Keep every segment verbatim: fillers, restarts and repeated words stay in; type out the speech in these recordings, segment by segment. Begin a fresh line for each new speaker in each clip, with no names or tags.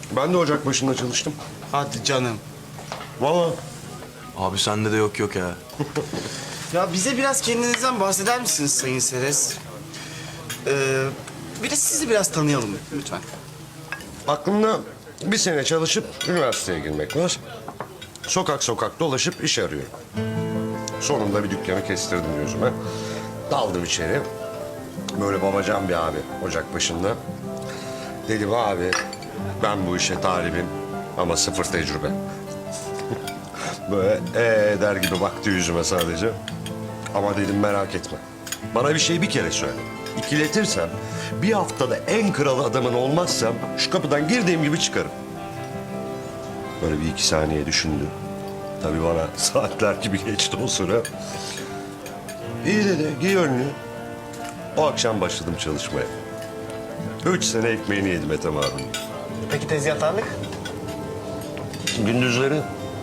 Ben de ocak başında çalıştım.
Hadi canım.
Vallahi.
Abi sende de yok yok ya.
Ya bize biraz kendinizden bahseder misiniz Sayın Seres? Ee, bir de sizi biraz tanıyalım lütfen.
Aklımda bir sene çalışıp üniversiteye girmek var. Sokak sokak dolaşıp iş arıyorum. Sonunda bir dükkanı kestirdim yüzüme. Daldım içeri. Böyle babacan bir abi ocak başında. Dedim abi ben bu işe talibim ama sıfır tecrübe. Böyle ee der gibi baktı yüzüme sadece. Ama dedim merak etme. Bana bir şey bir kere söyle. İkiletirsem bir haftada en kral adamın olmazsam şu kapıdan girdiğim gibi çıkarım. Böyle bir iki saniye düşündü. Tabii bana saatler gibi geçti o süre. İyi dedi, giy önlüğü. O akşam başladım çalışmaya. Üç sene ekmeğini yedim Ethem abinin.
Peki tezgahtarlık?
Gündüzleri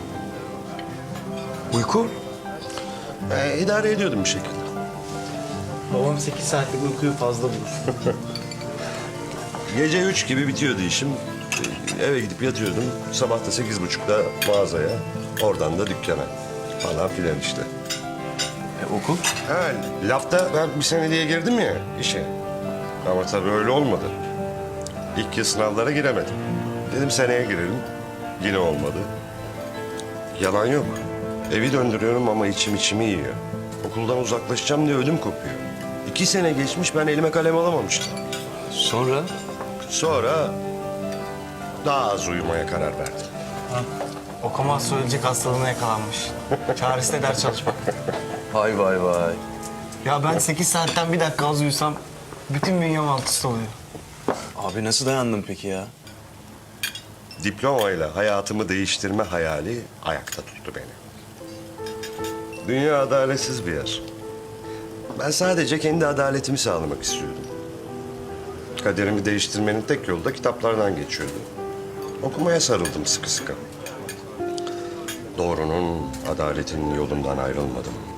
Uyku?
e, idare ediyordum bir şekilde.
Babam sekiz saatlik uykuyu fazla bulur.
Gece üç gibi bitiyordu işim. E, Eve gidip yatıyordum. Sabah da sekiz buçukta mağazaya. Oradan da dükkana. Falan filan işte.
E, okul?
Ha, lafta ben bir sene diye girdim ya işe. Ama tabii öyle olmadı. İlk yıl sınavlara giremedim. Dedim seneye girelim. Yine olmadı. Yalan yok. Evi döndürüyorum ama içim içimi yiyor. Okuldan uzaklaşacağım diye ödüm kopuyor. İki sene geçmiş ben elime kalem alamamıştım.
Sonra?
Sonra daha az uyumaya karar verdim.
Okumaz söyleyecek hastalığına yakalanmış. Çaresi de ders çalışmak.
Vay vay vay.
Ya ben sekiz saatten bir dakika az uyusam bütün bünyem alt üst oluyor.
Abi nasıl dayandın peki ya?
Diplomayla hayatımı değiştirme hayali ayakta tuttu beni. Dünya adaletsiz bir yer. Ben sadece kendi adaletimi sağlamak istiyordum. Kaderimi değiştirmenin tek yolu da kitaplardan geçiyordu. Okumaya sarıldım sıkı sıkı. Doğrunun, adaletin yolundan ayrılmadım.